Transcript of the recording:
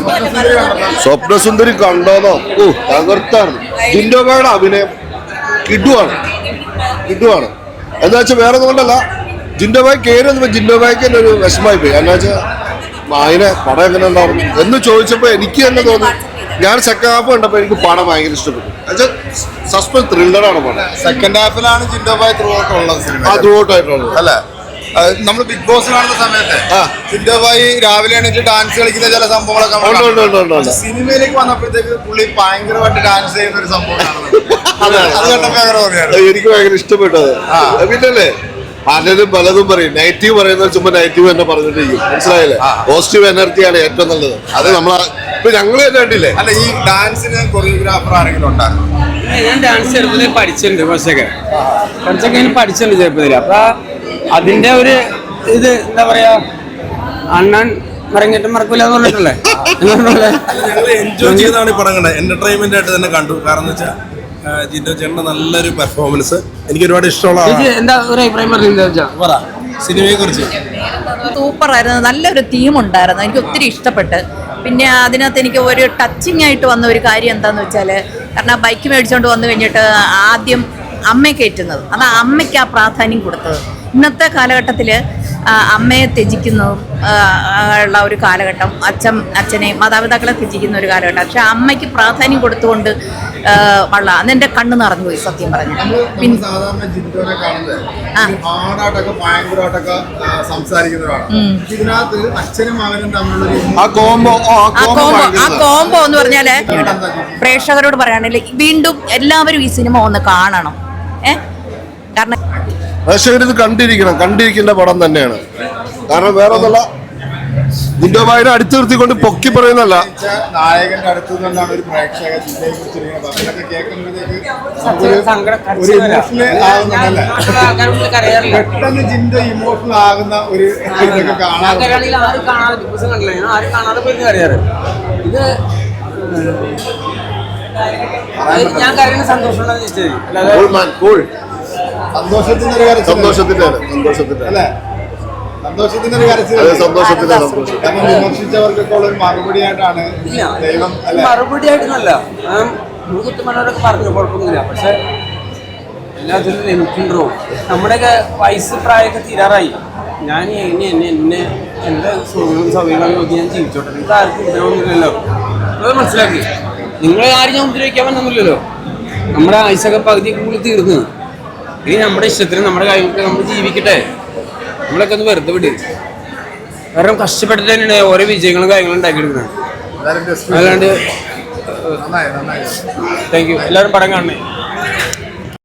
സ്വപ്നസുന്ദരി കണ്ടോന്നോ? ഓ തകർത്താണ്. ജിൻഡോബയുടെ അഭിനയം കിടുവാണ്. എന്താ വെച്ചാൽ വേറെ ഒന്നും കൊണ്ടല്ല, ജിൻഡോബായി കയറി വന്നപ്പോ ജിൻഡോബായിക്ക് തന്നെ ഒരു വിഷമായി പോയി. എന്നാ വെച്ചാൽ അതിനെ പടം എങ്ങനെ ഉണ്ടാവും എന്ന് ചോദിച്ചപ്പോ എനിക്ക് തന്നെ തോന്നി. ഞാൻ സെക്കൻഡ് ഹാഫ് കണ്ടപ്പോ എനിക്ക് പടം ഭയങ്കര ഇഷ്ടപ്പെട്ടു. സസ്പെൻസ് ത്രില്ലറാണ് പടം. സെക്കൻഡ് ഹാഫിലാണ് ജിൻഡോബായി ത്രൂ ഔട്ട് ഉള്ളത്. ത്രൂ ഔട്ട് ആയിട്ടുള്ളത് അല്ലേ? നമ്മൾ ബിഗ് ബോസ് കാണുന്ന സമയത്ത് ജിൻഡോബായി രാവിലെ എണീറ്റ് ഡാൻസ് കളിക്കുന്ന ചില സംഭവങ്ങളൊക്കെ സിനിമയിലേക്ക് വന്നപ്പോഴത്തേക്ക് പുള്ളി ഭയങ്കരമായിട്ട് ഡാൻസ് ചെയ്യുന്ന ഒരു സംഭവമാണ്. എനിക്ക് ഭയങ്കര ഇഷ്ടപ്പെട്ടത്. പിന്നല്ലേ പലതും പറയും. നെഗറ്റീവ് പറയുന്നത് ചുമ്മാ നെഗറ്റീവ് തന്നെ പറഞ്ഞിട്ടിരിക്കും. മനസ്സിലായില്ലേ? പോസിറ്റീവ് എനർജിയാണ് ഏറ്റവും നല്ലത്. അത് ഇപ്പൊ ഞങ്ങൾ തന്നെ കണ്ടില്ലേ? അല്ല, ഈ ഡാൻസിന് കൊറിയോഗ്രാഫർ ആരെങ്കിലും ഉണ്ടായിരുന്നു? ഞാൻ ഡാൻസ് ചെറുപ്പത്തിൽ പഠിച്ചിട്ടുണ്ട്. കുറച്ചൊക്കെ പഠിച്ചിട്ടുണ്ട് ചെറുപ്പത്തിൽ. അപ്പൊ അതിന്റെ ഒരു ഇത് എന്താ പറയാ, അണ്ണൻ മറങ്ങിട്ട് മറക്കൂല എന്ന് പറഞ്ഞിട്ടല്ലേ. ഞങ്ങൾ എൻജോയ് ചെയ്താണ് ഈ പടം കണ്ടത്. എന്റർടൈൻമെന്റ് ആയിട്ട് തന്നെ കണ്ടു. കാരണം എന്ന് വെച്ചാൽ ജിൻഡോ ചേട്ടന്റെ നല്ലൊരു പെർഫോമൻസ് എനിക്ക് ഒരുപാട് ഇഷ്ടമുള്ള. എന്താ ഒരു അഭിപ്രായം പറ സിനിമയെ കുറിച്ച്? സൂപ്പർ ആയിരുന്നു. നല്ലൊരു തീം ഉണ്ടായിരുന്നു. എനിക്ക് ഒത്തിരി ഇഷ്ടപ്പെട്ട്. പിന്നെ അതിനകത്ത് എനിക്ക് ഒരു ടച്ചിങ് ആയിട്ട് വന്ന ഒരു കാര്യം എന്താണെന്ന് വെച്ചാൽ, കാരണം ബൈക്ക് മേടിച്ചുകൊണ്ട് വന്നു കഴിഞ്ഞിട്ട് ആദ്യം അമ്മയെ കയറ്റുന്നത്, അത് അമ്മയ്ക്ക് ആ പ്രാധാന്യം കൊടുത്തത്. ഇന്നത്തെ കാലഘട്ടത്തിൽ അമ്മയെ ത്യജിക്കുന്നതും ഉള്ള ഒരു കാലഘട്ടം, അച്ഛനെ മാതാപിതാക്കളെ ത്യജിക്കുന്ന ഒരു കാലഘട്ടം. പക്ഷെ അമ്മയ്ക്ക് പ്രാധാന്യം കൊടുത്തുകൊണ്ട് ഉള്ള അതെന്റെ കണ്ണ് നിറഞ്ഞു പോയി സത്യം പറഞ്ഞു. പിന്നെ സാധാരണ ജിൻഡോനെ കാണുന്നത് ഹാർഡായിട്ടൊക്കെ ഭയങ്കരമായിട്ടൊക്കെ സംസാരിക്കുന്നവരാണ്. ഇതിനകത്ത് അച്ഛനും മകനും തമ്മിലുള്ള ആ കോംബോ എന്ന് പറഞ്ഞാല് പ്രേക്ഷകരോട് പറയാണെങ്കിൽ വീണ്ടും എല്ലാവരും ഈ സിനിമ ഒന്ന് കാണണം. കാരണം പ്രേക്ഷകരിത് കണ്ടിരിക്കേണ്ട പടം തന്നെയാണ്. കാരണം വേറെ ഒന്നല്ല, ജിൻഡോബായിനെ അടുത്ത് നിർത്തിക്കൊണ്ട് പൊക്കി പറയുന്നല്ല, നായകന്റെ അടുത്ത് നിന്നാണ് ഒരു പ്രേക്ഷക ജില്ലയെ കുറിച്ച് പെട്ടെന്ന് ജിൻഡോ ഇമോഷണൽ ആകുന്ന ഒരു ഇതൊക്കെ കാണാൻ. ഞാൻ കരയുന്ന സന്തോഷത്തിന്റെ ഒരു കരച്ചിൽ. കാരണം വിമർശിച്ചവർക്കൊക്കെ ഉള്ള ഒരു മറുപടിയായിട്ടാണ് ദൈവം. മറുപടിയായിട്ടൊന്നല്ല, കുത്തുമനോരൊക്കെ പറഞ്ഞു കുഴപ്പമൊന്നുമില്ല. പക്ഷെ എല്ലാത്തിനും ലിമിറ്റുണ്ടോ? നമ്മുടെയൊക്കെ വയസ്സ് പ്രായമൊക്കെ തീരാറായി. ഞാൻ എന്നെ എൻ്റെ സൗകര്യങ്ങൾ നോക്കി ഞാൻ ജീവിച്ചോട്ടെ. നിങ്ങൾക്ക് ആർക്കും ഉപദ്രവമൊന്നുമില്ലല്ലോ. അത് മനസ്സിലാക്കി. നിങ്ങളെ ആരും ഞാൻ ഉപദ്രവിക്കാൻ പറ്റുന്നില്ലല്ലോ. നമ്മുടെ ആയുസൊക്കെ പകുതി കൂടി തീർന്നു. ഇനി നമ്മുടെ ഇഷ്ടത്തിന് നമ്മുടെ കാര്യങ്ങൾക്ക് നമ്മൾ ജീവിക്കട്ടെ. നമ്മളൊക്കെ ഒന്ന് വെറുതെ വിട്. കാരണം കഷ്ടപ്പെട്ടിട്ട് തന്നെയാണ് ഓരോ വിജയങ്ങളും കാര്യങ്ങളും ഉണ്ടാക്കിയെടുക്കുന്നത്. അല്ലാണ്ട് താങ്ക് യു. എല്ലാവരും പടം കാണണേ.